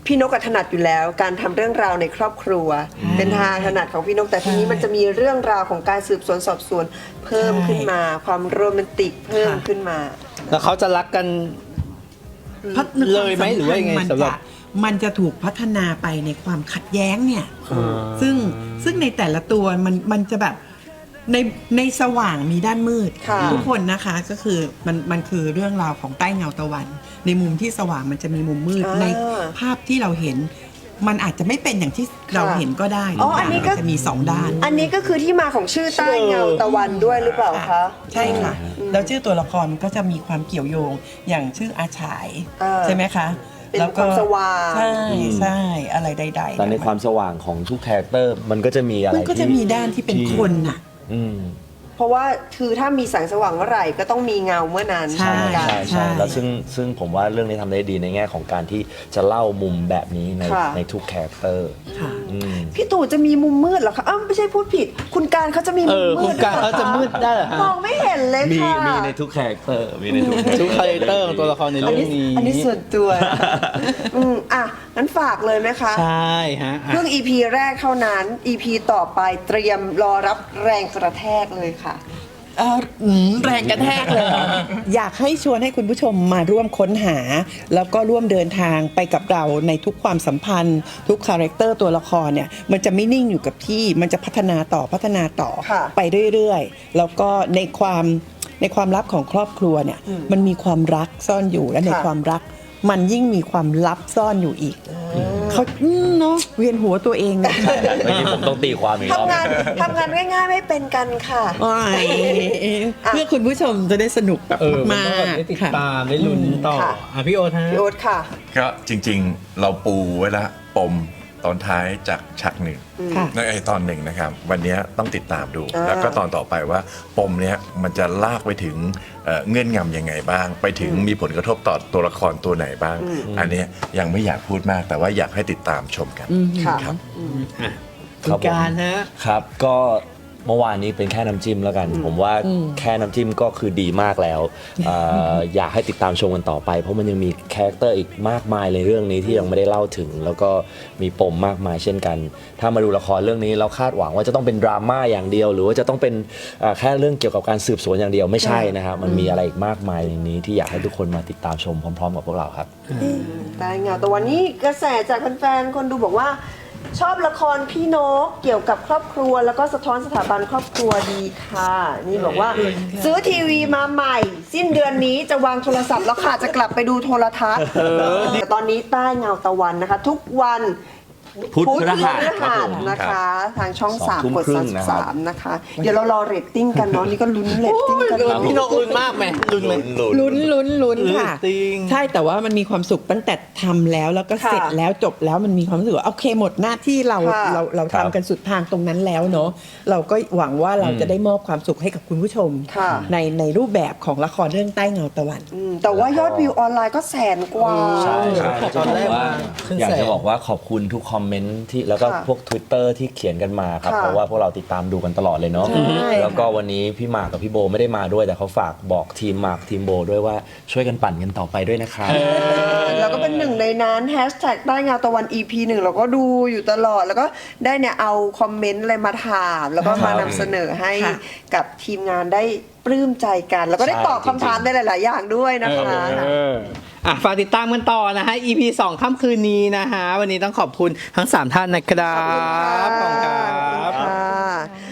Speaker 2: พี่นกอะถนัดอยู่แล้ว การทำเรื่องราวในครอบครัว เป็นทางถนัดของพี่นกแต่ทีนี้มันจะมีเรื่องราวของการสืบสวนสอบสวนเพิ่มขึ้นมา ความโรแมนติกเพิ่มขึ้นมา
Speaker 1: แล้วเขาจะรักกัน
Speaker 5: พัฒนา
Speaker 1: เลยไหมหรือว่ายังไง
Speaker 5: มัน
Speaker 1: สำหรับ
Speaker 5: จะมันจะถูกพัฒนาไปในความขัดแย้งเนี่ย ซึ่งซึ่งในแต่ละตัวมันมันจะแบบในในสว่างมีด้านมืด
Speaker 2: ค่ะ
Speaker 5: ทุกคนนะคะก็คือมันมันคือเรื่องราวของใต้เงาตะวัน ในมุมที่สว่างมันจะมีมุมมืด
Speaker 2: อ่า
Speaker 5: ในภาพที่เราเห็น มันอาจจะไม่เป็นอย่างที่เราเห็นก็ได้
Speaker 2: อ๋ออันนี้ก็
Speaker 5: มัจะมีสองด้าน
Speaker 2: อันนี้ก็คือที่มาของชื่อใต้เงาตะวันด้วยหรือเปล่าคะ
Speaker 5: ใช่ค่ะ แล้วชื่อตัวละครมันก็จะมีความเกี่ยวโยงอย่างชื่ออาฉาย
Speaker 2: เออ
Speaker 5: ใช่ไหมคะ
Speaker 2: เป็น
Speaker 5: แล้วก็
Speaker 2: ความสว่าง
Speaker 5: ใช่ใช่อะไรใดๆ
Speaker 4: แต่ในความสว่างของทุกคาแรคเตอร์มันก็จะมีอะไร
Speaker 5: มันก็จะ
Speaker 4: ที่
Speaker 5: มีด้านที่เป็นคนน่ะ
Speaker 4: อืม
Speaker 2: เพราะว่าคือถ้ามีแสงสว่างเมื่อไหร่ก็ต้องมีเงาเมื่อนั้น
Speaker 5: ใช่
Speaker 2: เหมือนกัน
Speaker 4: ใช่ใช่แล้วซึ่งซึ่งผมว่าเรื่องนี้ทำได้ดีในแง่ของการที่จะเล่ามุมแบบนี้ใน
Speaker 2: ค่ะ
Speaker 4: ในทุกคาแรคเตอร์
Speaker 5: ค่ะ
Speaker 4: อืม
Speaker 2: พี่ตู่จะมีมุมมืดเหรอคะอ้าวไม่ใช่พูดผิด คุณการเขาจะมี
Speaker 1: เอ
Speaker 2: มุม
Speaker 1: อ
Speaker 2: มื
Speaker 1: คุ
Speaker 2: ด
Speaker 1: ณการเขาจะมืดได้เหรอฮะ
Speaker 2: มองไม่เห็นเลย
Speaker 4: มี
Speaker 2: ค่ะ
Speaker 4: มีในทุกคาแรคเตอร์มีในทุก
Speaker 1: ทุกคาแรคเตอร์ของตัวละครใน
Speaker 2: อัน
Speaker 1: เรื่อง
Speaker 2: นี้
Speaker 1: นี้
Speaker 2: อันนี้ส่วนตัว อืมอ่ะงั้นฝากเลยไหมคะ
Speaker 1: ใช่ฮะอ่ะ
Speaker 2: เพิ่ง อี พี แรกเท่านั้น อี พี ต่อไปเตรียมรอรับแรงกระแทกเลยค่ะ
Speaker 5: เอ่ออืมแรงกระแทกเลย อยากให้ชวนให้คุณผู้ชมมาร่วมค้นหา แล้วก็ร่วมเดินทางไปกับเราในทุกความสัมพันธ์ ทุกคาแรคเตอร์ตัวละครเนี่ยมันจะไม่นิ่งอยู่กับที่มันจะพัฒนาต่อพัฒนาต่อ
Speaker 2: ค่ะ
Speaker 5: ไปเรื่อยๆ แล้วก็ในความในความลับของครอบครัวเนี่ยมันมีความรักซ่อนอยู่และใน
Speaker 2: ค่ะ
Speaker 5: ความรัก มันยิ่งมีความลับซ่อนอยู่อีกเขาอืมเนาะเวียนหัวตัวเองนะ
Speaker 4: เมื่อกี้ผมต้องตีความอีกรอบ
Speaker 2: ทำงานทำงานง่ายๆไม่เป็นกันค่ะ
Speaker 5: โอ้ยเพื่อคุณผู้ชมจะได้สนุกแบบ
Speaker 1: เออมัน
Speaker 5: มา
Speaker 1: ก็แบบ
Speaker 5: ก
Speaker 1: ได้ติด
Speaker 5: ค่ะ
Speaker 1: ตามได้ลุ้นต่อ
Speaker 2: ค่ะ
Speaker 1: อ่ะพี่โอ๊ตฮะ
Speaker 2: พี่โอ๊ตค่ะ
Speaker 3: ก็จริงๆเราปูไว้ละปมตอนท้ายจากฉากหนึ่ง
Speaker 5: ค่ะ
Speaker 3: ในไอตอนหนึ่งนะครับ วันนี้ต้องติดตามดู
Speaker 2: อ่า
Speaker 3: แล้วก็ตอนต่อไปว่าปมเนี้ยมันจะลากไปถึงเอ่อเงื่อนงำยังไงบ้าง ไปถึงมีผลกระทบต่อตัวละครตัวไหนบ้าง อันเนี้ยยังไม่อยากพูดมาก แต่ว่าอยากให้ติดตามชมกัน
Speaker 2: ค่ะ
Speaker 3: ครับ
Speaker 1: อ่ะ
Speaker 4: ค
Speaker 1: คุ
Speaker 4: รั
Speaker 1: ณ
Speaker 4: บผม
Speaker 1: การฮะ
Speaker 4: ครับก็เมื่อวานนี้เป็นแค่น้ำจิ้มแล้วกัน ผมว่าแค่น้ำจิ้มก็คือดีมากแล้วเอ่ออยากให้ติดตามชมกันต่อไป เพราะมันยังมีคาแรคเตอร์อีกมากมายในเรื่องนี้ที่ยังไม่ได้เล่าถึง แล้วก็มีปมมากมายเช่นกัน ถ้ามาดูละครเรื่องนี้เราคาดหวังว่าจะต้องเป็นดราม่าอย่างเดียว หรือว่าจะต้องเป็นเอ่อแค่เรื่องเกี่ยวกับการสืบสวนอย่างเดียวไม่ใช่นะครับมันมีอะไรอีกมากมายในนี้ที่อยากให้ทุกคนมาติดตามชมพร้อมๆกับพวกเราครับ
Speaker 2: ใต้เงาแต่วันนี้กระแสจากแฟนๆคนดูบอกว่า ชอบละครพี่นกเกี่ยวกับครอบครัว แล้วก็สะท้อนสถาบันครอบครัวดีค่ะ นี่บอกว่า ซื้อทีวีมาใหม่ สิ้นเดือนนี้จะวางโทรศัพท์แล้วค่ะจะกลับไปดูโทรทัศน์แต่ตอนนี้ใต้เงาตะวันนะคะ ทุกวัน
Speaker 4: พุธพฤหัส
Speaker 2: พฤ
Speaker 4: ครับ
Speaker 2: หั
Speaker 4: ผ
Speaker 2: ส
Speaker 4: ม
Speaker 2: นะคะ ทางช่อง
Speaker 4: สอง
Speaker 2: สาม
Speaker 4: ทุ่ม
Speaker 2: กด
Speaker 4: ครึ่
Speaker 2: สาง มสิ
Speaker 4: นะ
Speaker 2: บ
Speaker 4: ครับ
Speaker 2: สามนะคะ เดี๋ยวเรารอเรตติ้งกันเนาะนี่ก็ลุ้นเรตติ้งกัน
Speaker 1: พี่นกลุ้นมากไหมลุ้นไหม
Speaker 5: ลุ้นลุ้นลุ้นค่ะ
Speaker 1: จริง
Speaker 5: ใช่แต่ว่ามันมีความสุขตั้งแต่ทำแล้วแล้วก็เสร็จแล้วจบแล้วมันมีความรู้สึกว่าโอเคหมดหน้าที่เรา
Speaker 2: ค่ะ
Speaker 5: เราเรา
Speaker 4: ครับ
Speaker 5: ทำกันสุดทางตรงนั้นแล้วเนาะเราก็หวังว่าเราจะได้มอบความสุขให้กับคุณผู้ชม
Speaker 2: ค่ะ
Speaker 5: ในในรูปแบบของละครเรื่องใต้เงาตะวัน
Speaker 2: อืมแต่ว่ายอดวิวออนไลน์ก็แสนกว่า
Speaker 4: ใช่ใช่
Speaker 1: ตอนแรก
Speaker 4: ว่า
Speaker 1: ขึ้น
Speaker 4: อยาก
Speaker 1: แส
Speaker 4: จะ
Speaker 1: น
Speaker 4: บอกว่าขอบคุณทุกคอมเมนต์ที่แล้วก็
Speaker 2: ค่ะ
Speaker 4: พวก Twitter ที่เขียนกันมาครับ
Speaker 2: ค่ะ
Speaker 4: เพราะว่าพวกเราติดตามดูกันตลอดเลยเนาะ
Speaker 2: ใช่
Speaker 4: แล้วก็วันนี้พี่หมากกับพี่โบไม่ได้มาด้วยแต่เขาฝากบอกทีมหมากทีมโบด้วยว่าช่วยกันปั่นกันต่อไปด้วยนะครับ
Speaker 2: แล้วก็เป็นหนึ่งในนั้นแฮชแท็กใต้เงาตะวัน อี พี หนึ่งเราก็ดูอยู่ตลอด แล้วก็ได้เนี่ยเอาคอมเมนต์อะไรมาถาม แล้วก็มานำเสนอให้
Speaker 5: ค่ะ
Speaker 2: กับทีมงานได้ปลื้มใจกัน แล้วก็ได้
Speaker 4: ใช่
Speaker 2: ตอบคำถาม
Speaker 4: จริงๆ
Speaker 2: ได้หลาย ๆ อย่างด้วยนะคะ
Speaker 1: เอออ่ะฝากติดตามกันต่อนะฮะ อี พี สองค่ำคืนนี้นะฮะ วันนี้ต้องขอบคุณทั้ง สาม ท่านนะครับ
Speaker 2: ขอบคุณ
Speaker 1: ขอบคุณครั
Speaker 2: ค่ะ
Speaker 1: บ